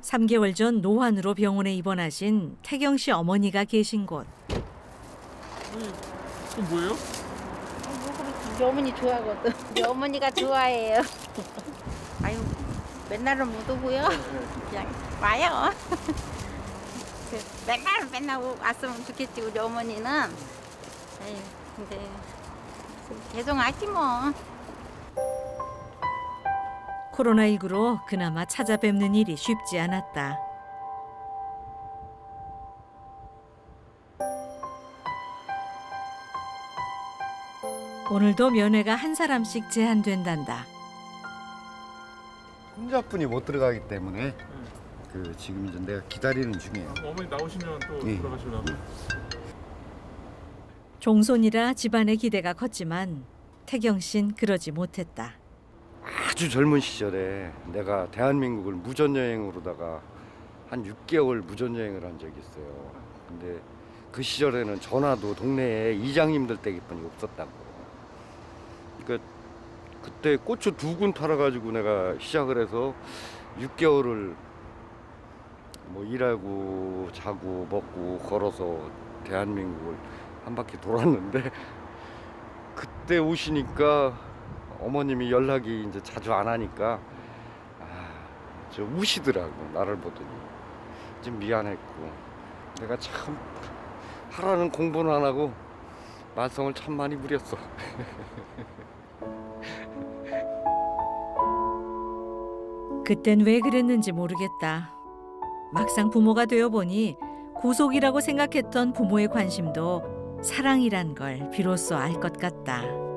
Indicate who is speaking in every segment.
Speaker 1: 3개월 전 노환으로 병원에 입원하신 태경 씨 어머니가 계신 곳.
Speaker 2: 그건 뭐예요?
Speaker 3: 우리 어머니 좋아하거든. 우리 어머니가 좋아해요. 아유, 맨날은 못 오고요. 그냥 와요. 맨날 왔으면 좋겠지, 우리 어머니는. 에이, 근데 계속 왔지 뭐.
Speaker 1: 코로나19로 그나마 찾아뵙는 일이 쉽지 않았다. 오늘도 면회가 한 사람씩 제한된단다.
Speaker 4: 혼자뿐이 못 들어가기 때문에 지금 이제 내가 기다리는 중이에요.
Speaker 2: 어머니 나오시면 또
Speaker 4: 예.
Speaker 2: 들어가시려고.
Speaker 1: 종손이라 집안의 기대가 컸지만 태경 씨는 그러지 못했다.
Speaker 4: 아주 젊은 시절에 내가 대한민국을 무전여행으로다가 한 6개월 무전여행을 한 적이 있어요. 근데 그 시절에는 전화도 동네에 이장님들 댁뿐이 없었다고. 그러니까 그때 고추 2군 팔아가지고 내가 시작을 해서 6개월을 뭐 일하고 자고 먹고 걸어서 대한민국을 한 바퀴 돌았는데 그때 오시니까 어머님이 연락이 이제 자주 안 하니까 저 우시더라고. 나를 보더니 좀 미안했고 내가 참 하라는 공부는 안 하고 말썽을 참 많이 부렸어.
Speaker 1: 그땐 왜 그랬는지 모르겠다. 막상 부모가 되어 보니 구속이라고 생각했던 부모의 관심도 사랑이란 걸 비로소 알 것 같다.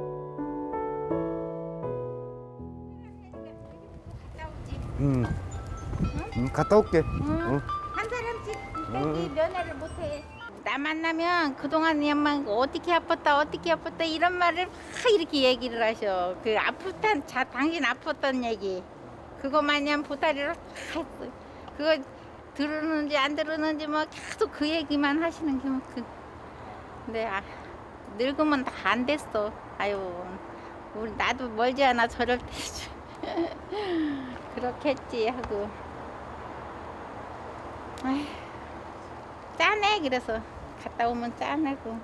Speaker 4: 갔다 올게.
Speaker 3: 응. 한 사람씩 여기 면회를 못해. 나 만나면 그동안 그냥 어떻게 아팠다 이런 말을 막 이렇게 얘기를 하셔. 그 당신 아팠던 얘기 그거 마냥 보따리로 다 했어. 그거 들었는지 안 들었는지 뭐 계속 그 얘기만 하시는 게 근데 늙으면 다 안 됐어. 아유 우리 나도 멀지 않아 저럴 때 그렇겠지 하고 아휴, 짠해. 그래서 갔다 오면 짠하고.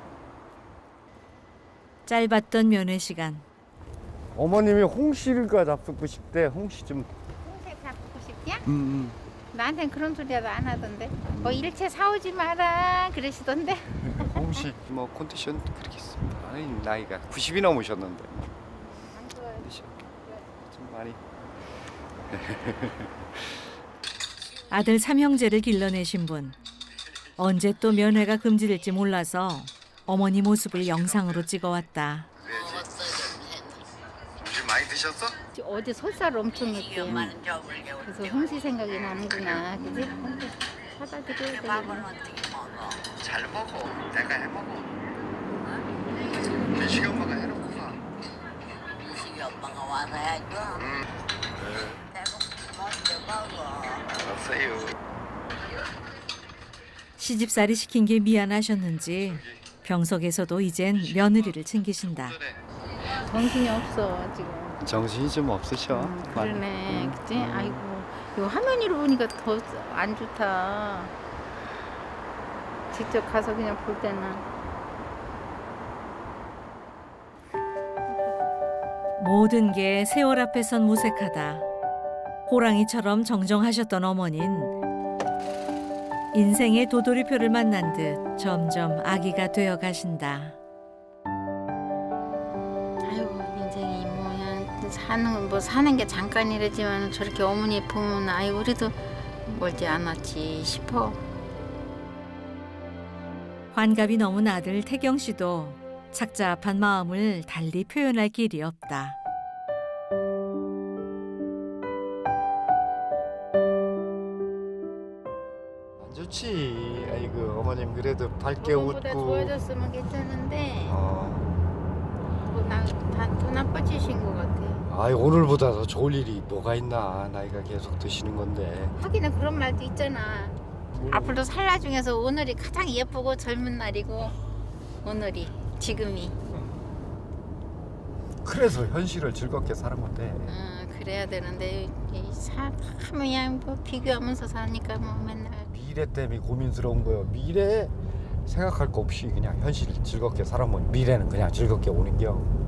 Speaker 1: 짧았던 면회 시간.
Speaker 4: 어머님이 홍시가 잡수고 싶대. 홍시 좀.
Speaker 3: 홍색 잡고 싶냐? 나한텐 그런 소리라도 안 하던데. 뭐 일체 사오지 마라 그러시던데.
Speaker 4: 홍시 뭐 컨디션 그렇게 있습니다. 아니 나이가 90이 넘으셨는데 컨디션 좀 많이.
Speaker 1: 아들 삼형제를 길러내신 분. 언제 또 면회가 금지될지 몰라서 어머니 모습을 영상으로 찍어왔다.
Speaker 4: 좀 많이 드셨어?
Speaker 3: 어제 설사를 엄청 했대. 그래서 홍시 생각이 나는구나. 그지? 사다 드려야 되겠네.
Speaker 4: 잘 먹어. 내가 해 먹어. 민식이 엄마가 해놓구나.
Speaker 5: 민식이 엄마가 와서 해야죠. 내가 먼저 먹어.
Speaker 4: 알았어요.
Speaker 1: 시집살이 시킨 게 미안하셨는지 병석에서도 이젠 며느리를 챙기신다.
Speaker 3: 정신이 없어 지금.
Speaker 4: 정신이 좀 없으셔.
Speaker 3: 그러네. 그치? 아이고 이거 화면으로 보니까 더 안 좋다. 직접 가서 그냥 볼 때는.
Speaker 1: 모든 게 세월 앞에선 무색하다. 호랑이처럼 정정하셨던 어머니는 인생의 도돌이표를 만난 듯 점점 아기가 되어 가신다.
Speaker 3: 아유 인생이 사는 게 잠깐이라지만 저렇게 어머니 보면 아유 우리도 멀지 않았지 싶어.
Speaker 1: 환갑이 넘은 아들 태경 씨도 착잡한 마음을 달리 표현할 길이 없다.
Speaker 4: 안 좋지. 아이고 어머님 그래도 밝게
Speaker 3: 저번보다
Speaker 4: 웃고.
Speaker 3: 좋아졌으면 괜찮은데 더 나빠지신 것 같아.
Speaker 4: 아이 오늘보다 더 좋을 일이 뭐가 있나. 나이가 계속 드시는 건데.
Speaker 3: 하기는 그런 말도 있잖아. 앞으로 살 날 중에서 오늘이 가장 예쁘고 젊은 날이고 오늘이 지금이.
Speaker 4: 그래서 현실을 즐겁게 사는 건데.
Speaker 3: 그래. 그래야 되는데 그냥 뭐 비교하면서 사니까 뭐 맨날
Speaker 2: 미래 때문에 고민스러운 거예요. 미래 생각할 거 없이 그냥 현실 즐겁게 살아보면 미래는 그냥 즐겁게 오는 겨.